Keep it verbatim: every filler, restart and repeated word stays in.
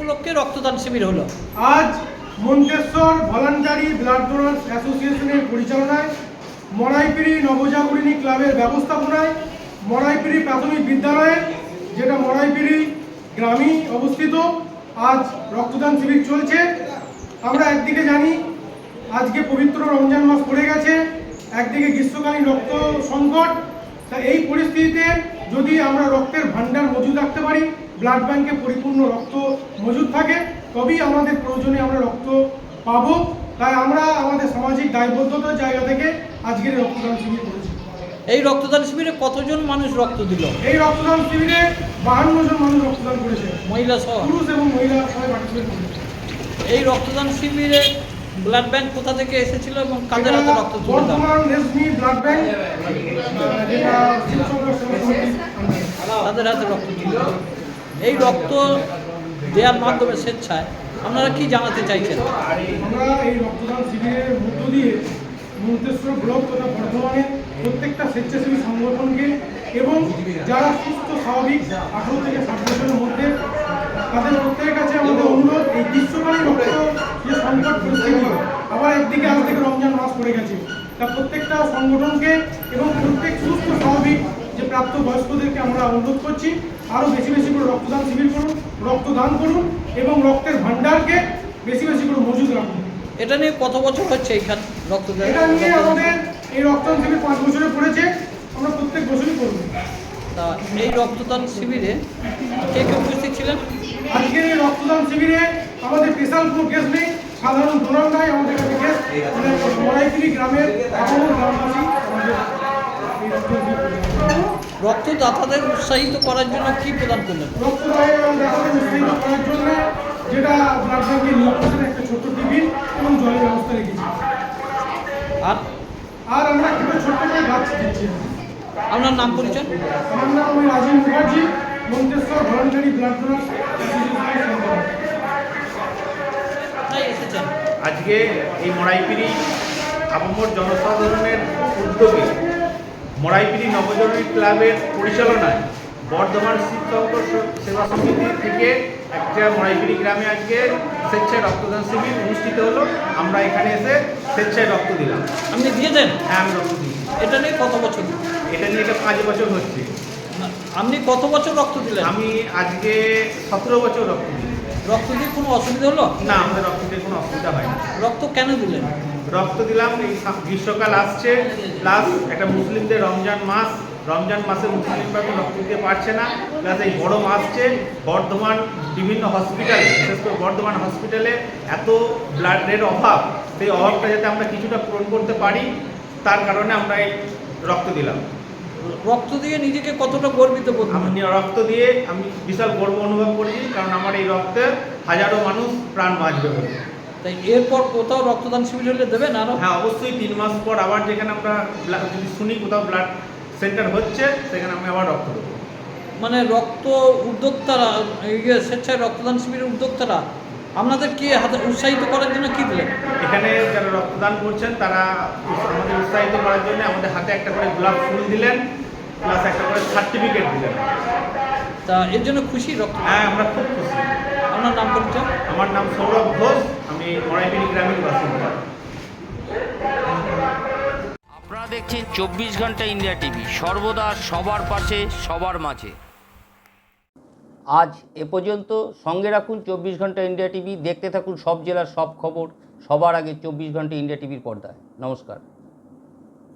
উপলক্ষে রক্তদান শিবির হলো? আজ মন্তেশ্বর ভলান্টারি ব্লাড ডোনার্স অ্যাসোসিয়েশনের পরিচালনায়, মরাইপিড়ি নবজাগরণী ক্লাবের ব্যবস্থাপনায়, মরাইপিড়ি প্রাথমিক বিদ্যালয়ে, যেটা মরাইপিড়ি গ্রামে অবস্থিত, আজ রক্তদান শিবির চলছে। আমরা একদিকে জানি আজকে পবিত্র রমজান মাস পড়ে গেছে, একদিকে গ্রীষ্মকালীন রক্ত সংকট। তা এই পরিস্থিতিতে যদি আমরা রক্তের ভান্ডার মজুদ রাখতে পারি, ব্লাড ব্যাংকে পরিপূর্ণ রক্ত মজুদ থাকে, তবেই আমাদের প্রয়োজনে আমরা রক্ত পাবো। তাই আমরা আমাদের সামাজিক দায়বদ্ধতার জায়গা থেকে আজকের রক্তদান শিবির করেছি। এই রক্তদান শিবিরে কতজন মানুষ রক্ত দিল? এই রক্তদান শিবিরে বাহান্ন জন মানুষ রক্তদান করেছে, মহিলা সহ? পুরুষ এবং মহিলা সবাই পার্টিসিপেট করেছে। এই রক্তদান শিবিরে ব্লাড ব্যাংক কোথা থেকে এসেছিল এবং কাদের হাতে রক্ত তুলে দেওয়া? বর্তমান রেশমি ব্লাড ব্যাংক, যেটা শিবচন্দ্র সেবা সমিতির আন্ডারে। তাদের হাতে রক্ত তুলে দেওয়া। এই রক্ত দেওয়ার মাধ্যমে স্বেচ্ছায় আপনারা কি জানাতে চাইছেন? আমরা এই রক্তদান শিবিরের মধ্য দিয়ে মন্তেশ্বর ব্লক তথা বর্ধমানের প্রত্যেকটা স্বেচ্ছাসেবী সংগঠনকে এবং যারা সুস্থ স্বাভাবিক আঠারো থেকে ষাট বছরের মধ্যে, তাদের প্রত্যেকের কাছে আমাদের অনুরোধ, এই গ্রীষ্মকালীন রক্ত যে সংকট পরিস্থিতি, আবার একদিকে আজ থেকে রমজান মাস পড়ে গেছে, তা প্রত্যেকটা সংগঠনকে এবং প্রত্যেক সুস্থ স্বাভাবিক যে প্রাপ্ত বয়স্কদেরকে আমরা অনুরোধ করছি, আরও বেশি বেশি করে রক্তদান শিবির করুন, রক্তদান করুন এবং রক্তের ভান্ডারকে বেশি বেশি করে মজুদ রাখুন। এটা নিয়ে কত বছর হচ্ছে এইখানে রক্তদান? এটা নিয়ে আমাদের এই রক্তদান শিবির পাঁচ বছরে পড়েছে, আমরা প্রত্যেক বছরই করব। তা এই রক্তদান শিবিরে কে কে উপস্থিত ছিলেন? আজকের এই রক্তদান শিবিরে আমাদের স্পেশাল কোনো কেস নেই, সাধারণ ডোনার নাই আমাদের কাছে কেস, মরাইপিড়ি গ্রামের এখনো গ্রামবাসী আমাদের এই রক্তদান শিবির করেছে। রক্তদাতাদের উৎসাহিত করার জন্য কি প্রদান করলেন? রক্তদান উৎসাহিত করার জন্য যেটা ব্লাড ব্যাংকের নিরাপত্তার একটা ছোট্ট টিফিন এবং জলের ব্যবস্থা রেখেছি। আর আর আমরা একটা ছোট্ট করে গাছ দিচ্ছি। আপনার নাম পরিচয়? আমার নাম আমি Rajib Mukherjee, Manteswar voluntary blood donors অ্যাসোসিয়েশনের। এসেছেন আজকে এই মরাইপিড়ি আপামর জনসাধারণের উদ্যোগে মরাইপিড়ি নবজাগরণী ক্লাবের পরিচালনায় বর্ধমান শিবচন্দ্র সেবা সমিতি থেকে একটা মরাইপিড়ি গ্রামে আজকে স্বেচ্ছায় রক্তদান শিবির অনুষ্ঠিত হলো। আমরা এখানে এসে স্বেচ্ছায় রক্ত দিলাম। আপনি দিয়েছেন? হ্যাঁ, আমি রক্ত দিই। এটা নিয়ে কত বছর? এটা নিয়ে এটা পাঁচ বছর হচ্ছে। আপনি কত বছর রক্ত দিলেন? আমি আজকে সতেরো বছর রক্ত দিই। রক্ত দিয়ে কোনো অসুবিধা হলো না, আমাদের রক্ত দিয়ে কোনো অসুবিধা হয় না। রক্ত কেন দিলেন? রক্ত দিলাম, এই গ্রীষ্মকাল আসছে, প্লাস একটা মুসলিমদের রমজান মাস, রমজান মাসে মুসলিমরা তো রক্ত দিতে পারছে না, প্লাস এই বড় আসছে, বর্ধমান বিভিন্ন হসপিটালে, বিশেষ করে বর্ধমান হসপিটালে এত ব্লাডের অভাব, সেই অভাবটা যাতে আমরা কিছুটা পূরণ করতে পারি, তার কারণে আমরা এই রক্ত দিলাম। রক্ত দিয়ে নিজেকে কতটা গর্বিত বোধ? আমি রক্ত দিয়ে আমি বিশাল গর্ব অনুভব করেছি, কারণ আমার এই রক্তে হাজারো মানুষ প্রাণ বাঁচবে বলে। তাই এরপর কোথাও রক্তদান শিবির হলে দেবেন আরও? হ্যাঁ, অবশ্যই তিন মাস পর আবার যেখানে আমরা যদি শুনি কোথাও ব্লাড সেন্টার হচ্ছে, সেখানে আমি আবার রক্ত দেবো। মানে রক্ত উদ্যোক্তারা, ইয়ে স্বেচ্ছায় রক্তদান শিবিরের উদ্যোক্তারা আপনাদের কি হাতে উৎসাহিত করার জন্য কি দিলেন? এখানে যারা রক্তদান করছেন তারা আমাদের উৎসাহিত করার জন্য আমাদের হাতে একটা করে গোলাপ ফুল দিলেন, প্লাস একটা করে সার্টিফিকেট দিলেন। তা এর জন্য খুশি রক্ত? হ্যাঁ, আমরা খুব খুশি। আপনার নাম পরিচয়? আমার নাম সৌরভ ঘোষ, আমি মরাইপিড়ি গ্রামীণ বাসিন্দা। আপনারা দেখছেন চব্বিশ ঘন্টা ইন্ডিয়া টিভি, সর্বদা সবার পাশে সবার মাঝে। আজ এ পর্যন্ত। সঙ্গে রাখুন চব্বিশ ঘন্টা ইন্ডিয়া টিভি, দেখতে থাকুন সব জেলার সব খবর সবার আগে চব্বিশ ঘন্টা ইন্ডিয়া টিভির পর্দায়। নমস্কার।